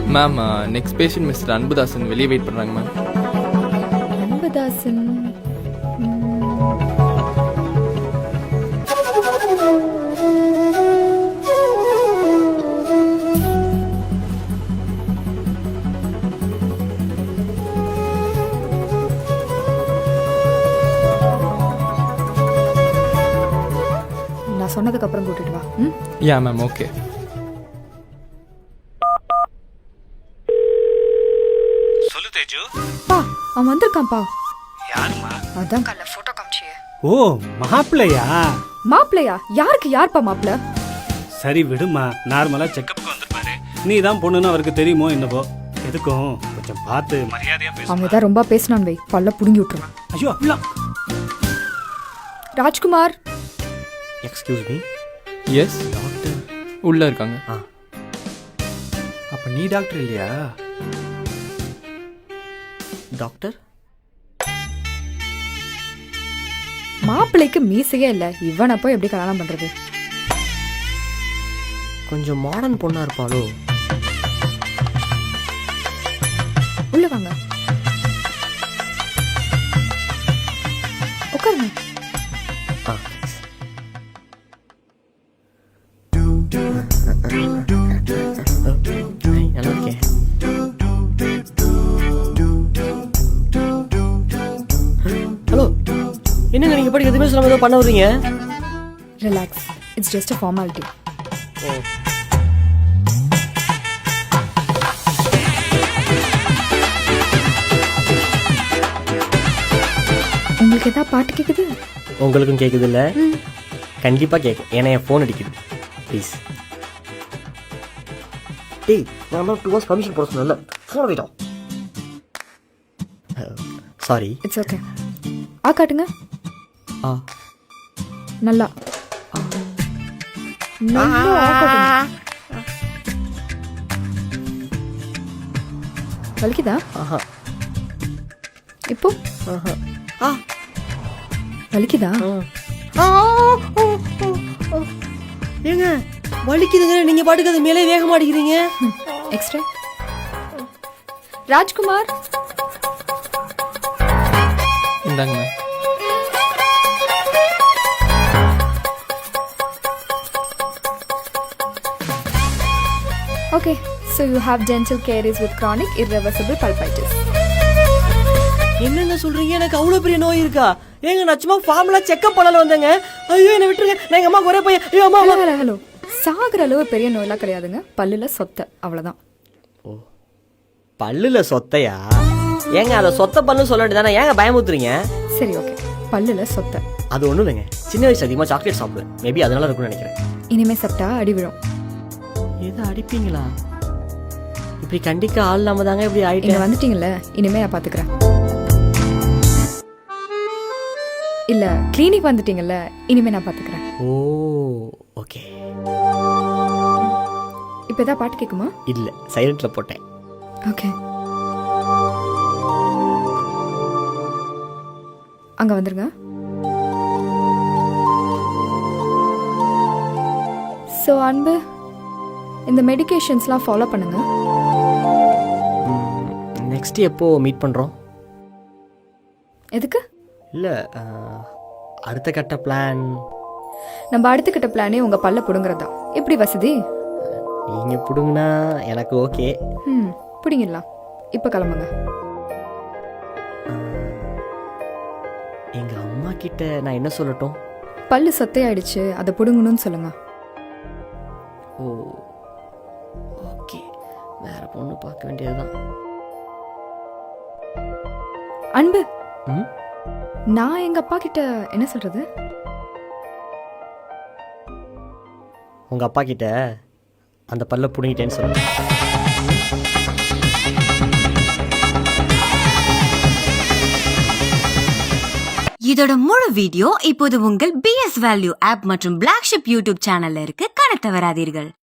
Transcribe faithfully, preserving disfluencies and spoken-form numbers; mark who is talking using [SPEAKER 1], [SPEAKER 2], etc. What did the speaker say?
[SPEAKER 1] Ma'am next patient mister Anbudasan வெளியே wait பண்ணுறாங்க ma'am.
[SPEAKER 2] Anbudasan நான் சொன்னதுக்கு அப்புறம் கூட்டிட்டு வா. ம்
[SPEAKER 1] யா மேம் ஓகே.
[SPEAKER 3] சொல்லு தேஜு.
[SPEAKER 2] பா அவன் வந்திருக்கான்ப்பா.
[SPEAKER 3] யாருமா?
[SPEAKER 2] அதான் கல்ல போட்டோ காமிச்சியே.
[SPEAKER 4] ஓ மாப்பிள்ளையா?
[SPEAKER 2] மாப்பிள்ளையா? யாருக்கு யார்ப்பா மாப்பிள்ள?
[SPEAKER 4] சரி விடுமா, நார்மலா செக்கப்புக்கு வந்திருப்பாரு. நீ தான் பொண்ணுன்னு அவருக்கு தெரியுமோ என்னவோ. எதுக்கும் கொஞ்சம் பார்த்து மரியாதையா பேசு.
[SPEAKER 2] அவங்க தான் ரொம்ப பேசினான் வை, பல்ல புடுங்கி விட்டுருவான்.
[SPEAKER 4] ஐயோ அப்படிலாம்.
[SPEAKER 2] Rajkumar.
[SPEAKER 5] Excuse me.
[SPEAKER 1] Yes doctor உள்ளே இருக்காங்க.
[SPEAKER 5] ஆ அப்போ நீ டாக்டர் இல்லையா? டாக்டர்
[SPEAKER 2] மாப்பிள்ளைக்கு மீசையே இல்ல, இவனை போய் எப்படி கல்யாணம் பண்றது?
[SPEAKER 5] கொஞ்சம் மாடர்ன் பொண்ணா இருப்பாளோ?
[SPEAKER 2] உள்ள வாங்க, உட்காருங்க.
[SPEAKER 5] ஆ நல்லா இருக்கேன். ஹலோ, என்னங்க நீங்க படிக்க எதுவுமே சொல்லாம ஏதோ பண்ண வர்றீங்க?
[SPEAKER 2] Relax, it's just a formality.
[SPEAKER 5] ஓ
[SPEAKER 2] உங்களுக்கு ஏதாவது பாட்டு கேக்குது?
[SPEAKER 5] உங்களுக்கும் கேக்குது இல்ல? கண்டிப்பா கேட்கும், ஏன்னா என் ஃபோன் அடிக்குது. ப்ளீஸ். டேய், நான் டூ ஹவர்ஸ் பர்மிஷன் போட சொன்னல, ஃபோன் வைட்டோம். சாரி.
[SPEAKER 2] It's okay. ஆ காட்டுங்க.
[SPEAKER 5] ஆ
[SPEAKER 2] நல்லா நல்லா ஆ காட்டுங்க. வலிக்குதா?
[SPEAKER 5] ஆஹா
[SPEAKER 2] இப்போ
[SPEAKER 5] ஆஹா ஆ
[SPEAKER 2] வலிக்குதா?
[SPEAKER 5] ஆ ஏங்க வலிக்குதுங்க, நீங்க பாட்டுக்கு அது மேலே வேக மாட்டேங்கிறீங்க.
[SPEAKER 2] எக்ஸ்ட்ரா. ராஜ்குமார்
[SPEAKER 1] இந்தாங்க ma'am.
[SPEAKER 2] Okay, so you have dental caries with chronic irreversible pulpitis.
[SPEAKER 5] என்னங்க சொல்றீங்க? எனக்கு அவ்வளவு பெரிய நோய் இருக்கா? ஏங்க நான் சும்மா ஃபார்முலா செக்அப் பண்ணல வந்தேங்க. ஐயோ என்ன விட்டுருங்க, நான் எங்க அம்மா ஒரே பையன். ஐயோ அம்மா.
[SPEAKER 2] ஹலோ ஹலோ, சாகுற அளவு பெரிய நோயெல்லாம் கிடையாதுங்க, பல்லுல சொத்தை, அவ்வளவுதான்.
[SPEAKER 5] ஓ பல்லுல சொத்தையா? ஏங்க அதை சொத்த பல்லு சொல்ல வேண்டியதானே, ஏங்க பயமுத்துறீங்க?
[SPEAKER 2] சரி ஓகே, பல்லுல சொத்தை.
[SPEAKER 5] அது ஒண்ணும் இல்லைங்க, சின்ன வயசு அதிகமா சாக்லேட் சாப்பிடுவேன், மேபி அதனால இருக்கும்னு நினைக்கிறேன்.
[SPEAKER 2] இனிமே சாப்பிட்டா அடி விழும்.
[SPEAKER 5] ஏதோ அடிப்பீங்களா? இப்படி கண்டிக்க ஆள் இல்லாம தாங்க இப்படி
[SPEAKER 2] இங்க
[SPEAKER 5] ஆயிட்டேன்.
[SPEAKER 2] வந்துட்டீங்கல்ல, இனிமே நான் பாத்துக்கிறேன். இல்ல கிளினிக் வந்துட்டீங்கல்ல, இனிமே நான் பாத்துக்கிறேன்.
[SPEAKER 5] ஓ ஓகே.
[SPEAKER 2] இப்ப ஏதாவது பாட்டு கேக்குமா?
[SPEAKER 5] இல்ல, சைலண்ட்ல போட்டேன்.
[SPEAKER 2] ஓகே, அங்க வந்துருங்க. சோ அன்பு, இந்த மெடிகேஷன்ஸ்லாம் ஃபாலோ பண்ணுங்க.
[SPEAKER 5] நெக்ஸ்ட் எப்போ மீட் பண்றோம்?
[SPEAKER 2] எதுக்கு?
[SPEAKER 5] இல்ல அடுத்த கட்ட பிளான்.
[SPEAKER 2] நம்ம அடுத்துக்கிட்ட பிளானே உங்க பல்ல புடுங்குறதா. எப்படி வசதி?
[SPEAKER 5] நீங்க புடுங்கினா எனக்கு ஓகே.
[SPEAKER 2] ம் புடிங்கிடலாம். இப்ப கிளம்புங்க.
[SPEAKER 5] எங்க அம்மா கிட்ட நான் என்ன சொல்லட்டும்?
[SPEAKER 2] பல்லு சொத்தையாயிடுச்சு, அதை புடுங்கணும்னு சொல்லுங்க.
[SPEAKER 5] ஓ ஓகே, வேற பொண்ணு பார்க்க வேண்டியதுதான்.
[SPEAKER 2] அன்பு,
[SPEAKER 5] ம்
[SPEAKER 2] நான் எங்க அப்பா கிட்ட என்ன சொல்றது?
[SPEAKER 5] உங்க அப்பா கிட்ட அந்த பல்ல புடுங்கிட்டேன்னு சொல்லுங்க.
[SPEAKER 6] இதோட முழு வீடியோ இப்போது உங்கள் பி எஸ் வேல்யூ ஆப் மற்றும் பிளாக் ஷிப் யூடியூப் சேனல்ல இருக்கு, காண தவறாதீர்கள்.